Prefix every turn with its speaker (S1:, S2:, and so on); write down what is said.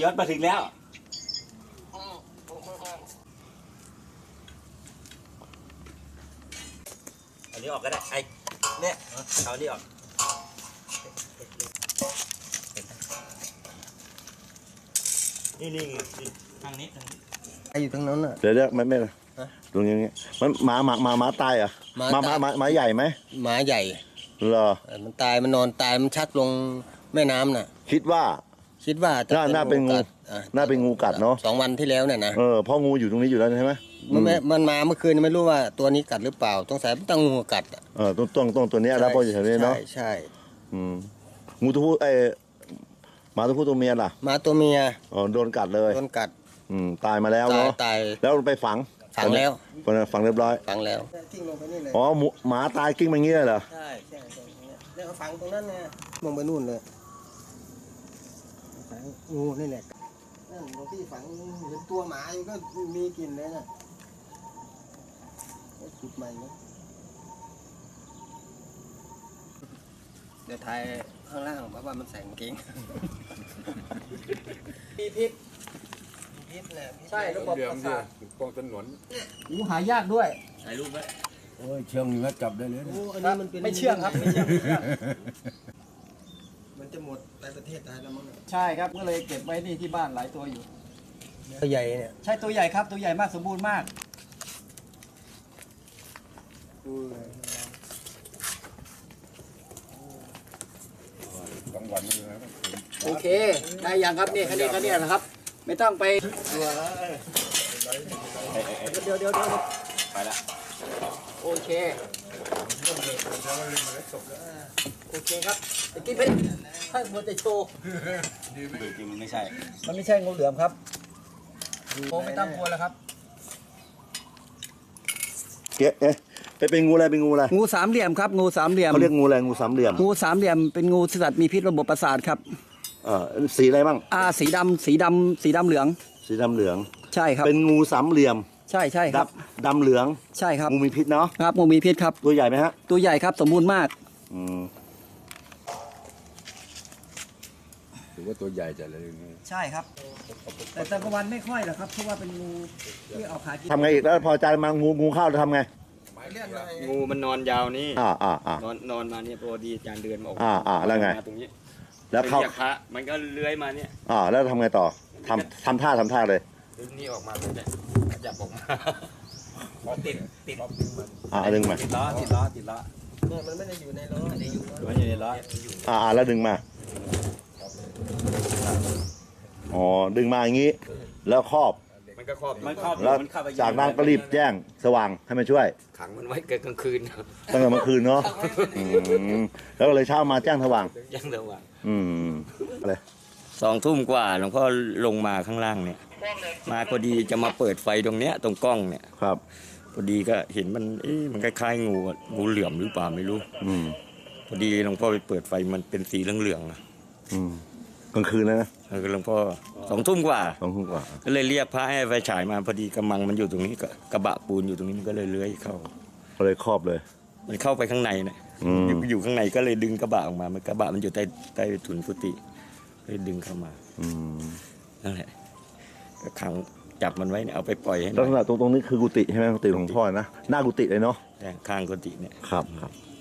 S1: ยศมาถึงแล้วอันนี้ออกก็ได้ไอ้เนี่ยเอาอันนี้ออกนี่ทางนี้
S2: อยู่ทางนั้นน่ะ
S3: เดี๋ยวไม่ตรงนี้มันหมาตายอ่ะหมาใหญ่ไหม
S2: หมาใหญ่
S3: เหรอ
S2: มันตายมันนอนตายมันชักลงแม่น้ำน่ะคิดว่า
S3: น่าเป็นงูกัดเนาะ
S2: 2 วันที่แล้วเนี่ยนะ
S3: เพราะงูอยู่ตรงนี้อยู่แล้วใช่ไหม
S2: มันมาเมื่อคืนไม่รู้ว่าตัวนี้กัดหรือเปล่าต้องใส่ต้องงูกัด
S3: ต้องตัวนี้แล้วพออยู่แถวนี้เนาะ
S2: ใช่
S3: งูตัวผู้หมาตัวผู้ตัวเมียล่ะ
S2: หมาตัวเมีย
S3: โดนกัดเลยตายมาแล้วเนาะ
S2: ตาย
S3: แล้วไปฝัง
S2: แล้ว
S3: ฝังเรียบร้อย
S2: ฝังแล้วกิ้งลงไปนี่เลย
S3: หมาตายกิ้งไปงี้เลยเหรอ
S2: ใช่แล้วฝังตรงนั้นไงลงไปนู่นเลยฝังงูนี่แหละนั่นตรงที่ฝังเห็นตัวหมาอยู่ก็มีกลิ่นเลยนะจุดใหม่นะเดี๋ยวถ่ายข้างล่างเพราะว่ามันแสงกิ้งมีพิษใช่ระบบประสาท
S4: ปองถนน
S2: งูหายากด้วย
S1: ถ่ายรูปไว้
S4: โอ้ยเชื่องเนื้อจับได้เลย
S2: อันนี้มันเป็นไม่เชื่องครับไม่เชื่องมันจะหมดไปประเทศไทยแล้วมั้งใช่ครับก็เลยเก็บไว้นี่ที่บ้านหลายตัวอยู่ตัวใหญ่เนี่ยใช่ตัวใหญ่ครับตัวใหญ่มากสมบูรณ์มากโอเคได้ยังครับนี่แค่นี้นะครับไม่ต้องไปเดี๋ยว
S1: ไปละ
S2: โอเคครับตะกี้เป็นให้มัวแต่โชว์
S1: จริงมันไม่ใช่
S2: งูเหลือมครับโอ้ไม่ต้องกลัวแล้วครับ
S3: เป็นงูอะไร
S2: งูสามเหลี่ยมครับงูสามเหลี่ยม
S3: เขาเรียกงูอะไรงูสามเหลี่ยม
S2: เป็นงูสัตว์มีพิษระบบประสาทครับ
S3: สีอะไรบ้าง
S2: สีดำเหลืองใช่ครับ
S3: เป็นงูสามเหลี่ยม
S2: ใช่ครับ
S3: ดำเหลือง
S2: ใช่ครับ
S3: งูมีพิษเนาะ
S2: ครับงูมีพิษครับ
S3: ตัวใหญ่ไหมฮะ
S2: ตัวใหญ่ครับสมบูรณ์มาก
S4: ถือว่าตัวใหญ่จัดเลย
S2: ใช่ครับแต่ตะกวันไม่ค่อยหรอกครับเพราะว่าเป็นงูที่เอาขากิน
S3: ทำไงอีกแล้วพอใจมางูเข้าจะทำไง
S1: งูมันนอนยาวนี่นอนมาเนี่ยพอดีอาจารย์เดือนมาออก
S3: แล้วไง
S1: ตรงนี้
S3: แล้วเข้า
S1: มันก็เลื้อยมาเนี่ย
S3: แล้วทำไงต่อทำท่าเลย
S1: ดึงนี่ออกมาเนี่ยจับออกมาติด
S3: ดึงมา
S1: ติดล้อ
S2: มันไม่ได้อยู่ในล้อ
S1: มันอยู่ในล้อ
S3: แล้วดึงมาดึงมาอย่างนี้แล้วครอบ
S1: มันก็ครอบ
S3: แล้วจากนั้นก็รีบแจ้งสว่างให้มาช่วย
S1: ขังมันไว้เกิดกลางคืน
S3: ตั้งแต่เมื่อคืนเนาะแล้วเลยเช้ามาแจ้งสว่างอะไร
S1: 2 ทุ่มกว่าหลวงพ่อลงมาข้างล่างเนี่ยมาพอดีจะมาเปิดไฟตรงเนี้ยตรงกล้องเนี่ย
S3: ครับ
S1: พอดีก็เห็นมันคล้ายๆงูเหลือมหรือเปล่าไม่รู้พอดีหลวงพ่อไปเปิดไฟมันเป็นสีเหลือง
S3: กลางคืนนะ
S1: หลวงพ่อ2 ทุ่มกว่าก็เลยเรียกพระให้ไฟฉายมาพอดีกระมังมันอยู่ตรงนี้กระบะปูนอยู่ตรงนี้มันก็เลยเลื้อยเข้า
S3: เลยครอบเลย
S1: มันเข้าไปข้างในเนี่ยอยู่ข้างในก็เลยดึงกระบะออกมามันกระบะมันอยู่ใต้ถุนกุฏิเลยดึงเข้ามานั่นแหละก็ขังจับมันไว้เนี่ยเอาไปปล่อยให้
S3: ลักษณะตรงนี้คือกุฏิใช่ไหมกุฏิของพ่อนะหน้ากุฏิเลยเนาะ
S1: ข้างกุฏิเนี่ย
S3: ครับ